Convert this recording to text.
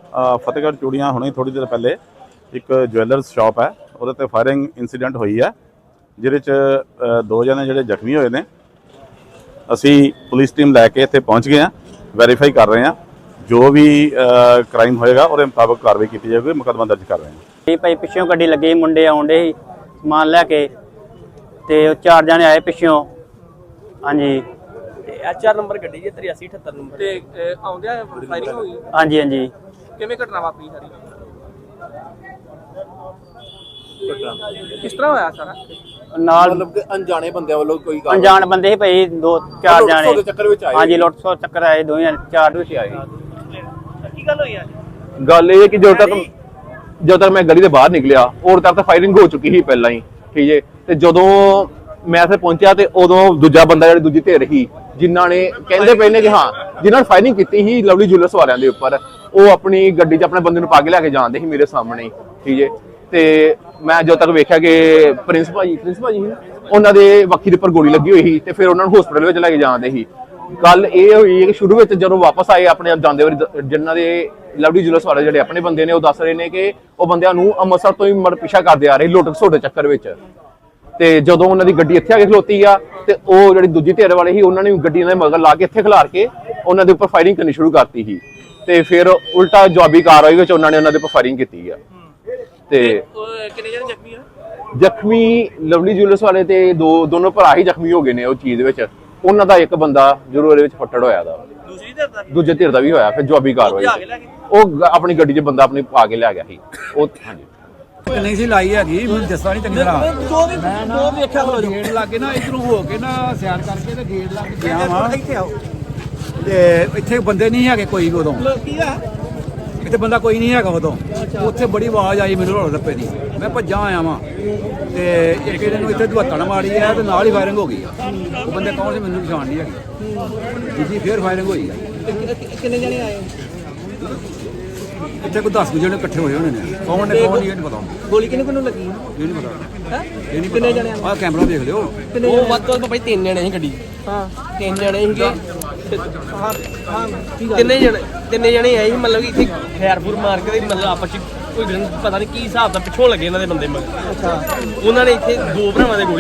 ਫਤਿਹਗੜ੍ਹ ਚੂੜੀਆਂ ਹੁਣੇ ਥੋੜੀ ਦੇਰ ਪਹਿਲੇ ਇੱਕ ਜਵੈਲਰਸ ਸ਼ਾਪ ਹੈ, ਉਹਦੇ ਤੇ ਫਾਇਰਿੰਗ ਇਨਸੀਡੈਂਟ ਹੋਈ ਹੈ, ਜਿਹਦੇ 'ਚ 2 ਜਣੇ ਜਿਹੜੇ ਜ਼ਖਮੀ ਹੋਏ ਨੇ। ਅਸੀਂ ਪੁਲਿਸ ਟੀਮ ਲੈ ਕੇ ਇੱਥੇ ਪਹੁੰਚ ਗਏ ਹਾਂ, ਵੈਰੀਫਾਈ ਕਰ ਰਹੇ ਹਾਂ। ਜੋ ਵੀ ਕ੍ਰਾਈਮ ਹੋਏਗਾ ਉਹਦੇ ਮੁਤਾਬਕ ਕਾਰਵਾਈ ਕੀਤੀ ਜਾਵੇਗੀ, ਮੁਕੱਦਮਾ ਦਰਜ ਕਰ ਰਹੇ ਹਾਂ। ਭਾਈ ਪਿੱਛੋਂ ਗੱਡੀ ਲੱਗੀ, ਮੁੰਡੇ ਆਉਂਦੇ ਸੀ ਸਮਾਨ ਲੈ ਕੇ, ਤੇ 4 ਜਣੇ ਆਏ ਪਿੱਛੋਂ। ਹਾਂਜੀ, HR ਨੰਬਰ ਗੱਡੀ ਜੀ 8378 ਨੰਬਰ ਤੇ ਆਉਂਦਿਆਂ ਫਾਇਰਿੰਗ ਹੋਈ। ਹਾਂਜੀ ਹਾਂਜੀ। ਕਿਵੇਂ ਘਟਨਾ ਵਾਪਰੀ ਸਾਰੀ? ਕਿਸ ਤਰ੍ਹਾਂ ਹੋਇਆ ਸਾਰਾ? ਨਾਲ ਮਤਲਬ ਕਿ ਅਣਜਾਣੇ ਬੰਦਿਆਂ ਵੱਲੋਂ ਕੋਈ ਗੱਲ ਅਣਜਾਣ ਬੰਦੇ ਸੀ ਭਾਈ, 2-4 ਦੇ ਜਣੇ। ਚੱਕਰ ਵਿੱਚ ਆਏ। ਹਾਂਜੀ, ਲੁੱਟ ਖੋਹ ਚੱਕਰ ਆਏ, 2-4 ਵਿੱਚ ਆਏ। ਕੀ ਗੱਲ ਹੋਈ ਅੱਜ? ਗੱਲ ਇਹ ਹੈ ਕਿ ਜਦੋਂ ਤੱਕ ਮੈਂ ਗਲੀ ਦੇ ਬਾਹਰ ਨਿਕਲਿਆ ਉਦੋਂ ਤੱਕ ਤਾਂ ਫਾਇਰਿੰਗ ਹੋ ਚੁੱਕੀ ਸੀ ਪਹਿਲਾਂ ਹੀ, ਠੀਕ ਹੈ। ਤੇ ਜਦੋਂ ਮੈਂ ਇੱਥੇ ਪਹੁੰਚਿਆ ਤੇ ਉਦੋਂ ਦੂਜਾ ਬੰਦਾ ਜਿਹੜੀ ਦੂਜੀ ਧਿਰ ਸੀ, ਜਿਨ੍ਹਾਂ ਨੇ ਕਹਿੰਦੇ ਪਏ ਨੇ ਕਿ ਹਾਂ ਜਿਨ੍ਹਾਂ ਨੇ ਫਾਇਰਿੰਗ ਕੀਤੀ ਸੀ ਲਵਲੀ ਜੁਐਲਰਸ ਵਾਲਿਆਂ ਦੇ ਉੱਪਰ, ਉਹ ਆਪਣੀ ਗੱਡੀ 'ਚ ਆਪਣੇ ਬੰਦੇ ਨੂੰ ਪਾ ਕੇ ਲੈ ਕੇ ਜਾਂਦੇ ਸੀ ਮੇਰੇ ਸਾਹਮਣੇ ਹੀ, ਠੀਕ ਹੈ। ਤੇ ਮੈਂ ਜਦੋਂ ਤੱਕ ਵੇਖਿਆ ਕਿ ਪ੍ਰਿੰਸ ਭਾਜੀ ਉਹਨਾਂ ਦੇ ਵੱਖੀ ਦੇ ਉੱਪਰ ਗੋਲੀ ਲੱਗੀ ਹੋਈ ਸੀ, ਤੇ ਫਿਰ ਉਹਨਾਂ ਨੂੰ ਹਸਪੀਟਲ ਵਿੱਚ ਲੈ ਕੇ ਜਾਂਦੇ ਸੀ। ਗੱਲ ਇਹ ਹੋਈ ਕਿ ਸ਼ੁਰੂ ਵਿੱਚ ਜਦੋਂ ਵਾਪਸ ਆਏ ਆਪਣੇ ਆਪ ਜਾਂਦੇ ਵਾਰੀ, ਜਿਨ੍ਹਾਂ ਦੇ ਲਵਲੀ ਜੁਐਲਰਸ ਵਾਲੇ ਜਿਹੜੇ ਆਪਣੇ ਬੰਦੇ ਨੇ, ਉਹ ਦੱਸ ਰਹੇ ਨੇ ਕਿ ਉਹ ਬੰਦਿਆਂ ਨੂੰ ਅੰਮ੍ਰਿਤਸਰ ਤੋਂ ਹੀ ਪਿੱਛਾ ਕਰਦੇ ਆ ਰਹੇ ਲੁੱਟ ਖਸੁੱਟ ਦੇ ਚੱਕਰ ਵਿੱਚ। ਤੇ ਜਦੋਂ ਉਹਨਾਂ ਦੀ ਗੱਡੀ ਇੱਥੇ ਆ ਕੇ ਖਲੋਤੀ ਆ, ਤੇ ਉਹ ਜਿਹੜੀ ਦੂਜੀ ਧਿਰ ਵਾਲੇ ਸੀ ਉਹਨਾਂ ਨੇ ਗੱਡੀ ਦੇ ਮਗਰ ਲਾ ਕੇ ਇੱਥੇ ਖਿਲਾਰ ਕੇ ਉਹਨਾਂ ਦੇ ਉੱਪਰ ਫਾਇਰਿੰਗ ਕਰਨੀ ਸ਼ੁਰੂ ਕਰਤੀ ਸੀ। ਤੇ ਫਿਰ ਉਲਟਾ ਜਵਾਬੀ ਕਾਰਵਾਈ ਵਿੱਚ ਉਹਨਾਂ ਨੇ ਉਹਨਾਂ ਦੇ ਉੱਪਰ ਫਾਇਰਿੰਗ ਕੀਤੀ ਆ। ਤੇ ਕਿੰਨੇ ਜਣੇ ਜ਼ਖਮੀ ਹੋਏ? ਜ਼ਖਮੀ ਲਵਲੀ ਜੁਐਲਰਸ ਵਾਲੇ ਤੇ ਦੋਨੋਂ ਭਰਾ ਹੀ ਜ਼ਖਮੀ ਹੋ ਗਏ ਨੇ ਉਹ ਚੀਜ਼ ਵਿੱਚ। ਉਹਨਾਂ ਦਾ ਇੱਕ ਬੰਦਾ ਜ਼ਰੂਰ ਇਹਦੇ ਵਿੱਚ ਫੱਟੜ ਹੋਇਆ ਦਾ, ਦੂਸਰੀ ਧਿਰ ਦਾ? ਦੂਜੇ ਧਿਰ ਦਾ ਵੀ ਹੋਇਆ। ਫਿਰ ਜਵਾਬੀ ਕਾਰਵਾਈ ਉਹ ਆਪਣੀ ਗੱਡੀ 'ਚ ਬੰਦਾ ਆਪਣੀ ਪਾ ਕੇ ਲੈ ਗਿਆ ਸੀ ਉਹ। ਹਾਂਜੀ, ਨਹੀਂ ਸੀ ਲਾਈ ਹੈਗੀ, ਮੈਨੂੰ ਦੱਸਦਾ ਨਹੀਂ ਚੰਗੀ ਤਰ੍ਹਾਂ। ਦੋ ਵੇਖਿਆ ਖਲੋ ਜੋ ਗੇਟ ਲੱਗੇ ਨਾ, ਇਧਰੋਂ ਹੋ ਕੇ ਨਾ ਸਿਆਰ ਕਰਕੇ ਤੇ ਗੇਟ ਲੱਗ ਗਿਆ ਵਾ। ਇੱਥੇ ਆਓ। ਤੇ ਇੱਥੇ ਬੰਦੇ ਨਹੀਂ ਹੈਗੇ ਕੋਈ ਵੀ ਉਦੋਂ, ਕੀ ਆ? ਇੱਥੇ ਬੰਦਾ ਕੋਈ ਨਹੀਂ ਹੈਗਾ ਉਦੋਂ। ਉੱਥੇ ਬੜੀ ਆਵਾਜ਼ ਆਈ ਮੈਨੂੰ ਰੋਲ ਰੱਪੇ ਦੀ, ਮੈਂ ਭੱਜਾਂ ਆਇਆ ਵਾਂ। ਤੇ ਇੱਕ ਇਹਦੇ ਨੂੰ ਇੱਥੇ ਦੁਹੱਤਣ ਮਾਰੀ ਹੈ ਤੇ ਨਾਲ ਹੀ ਫਾਇਰਿੰਗ ਹੋ ਗਈ ਆ। ਉਹ ਬੰਦੇ ਕੌਣ ਸੀ ਮੈਨੂੰ ਪਛਾਣ ਨਹੀਂ ਹੈਗੀ। ਦੂਜੀ ਫੇਰ ਫਾਇਰਿੰਗ ਹੋਈ ਆ। ਕਿੰਨੇ ਜਣੇ ਆਏ? ਇੱਥੇ ਕੋਈ 10 ਜਣੇ ਇਕੱਠੇ ਹੋਏ ਹੋਣੇ ਨੇ, ਕੌਣ ਨੇ ਕੌਣ ਨਹੀਂ ਇਹ ਨਹੀਂ ਪਤਾ। ਗੋਲੀ ਕਿਹਨੂੰ ਲੱਗੀ? ਇਹ ਨਹੀਂ ਪਤਾ। ਹੈ ਇਹ ਨਹੀਂ ਕਿੰਨੇ ਜਣੇ? ਆਹ ਕੈਮਰਾ ਦੇਖ ਲਿਓ। ਉਹ ਵੱਧ ਤੋਂ ਵੱਧ ਭਾਈ 3 ਜਣੇ ਸੀ ਗੱਡੀ। ਹਾਂ 3 ਜਣੇ ਸੀਗੇ। ਹਾਂ ਹਾਂ। ਤਿੰਨੇ ਜਣੇ ਆਏ ਸੀ, ਮਤਲਬ ਕਿ ਇੱਥੇ ਖੈਰਪੁਰ ਮਾਰ ਕੇ ਮਤਲਬ ਆਪਸ ਚ ਕੋਈ ਪਤਾ ਨਹੀਂ ਕੀ ਹਿਸਾਬ ਦਾ ਪਿੱਛੋਂ ਲੱਗੇ ਇਹਨਾਂ ਦੇ ਬੰਦੇ ਮਗਰ। ਅੱਛਾ, ਉਹਨਾਂ ਨੇ ਇੱਥੇ 2 ਭਰਾਵਾਂ ਦੇ ਗੋਲੀ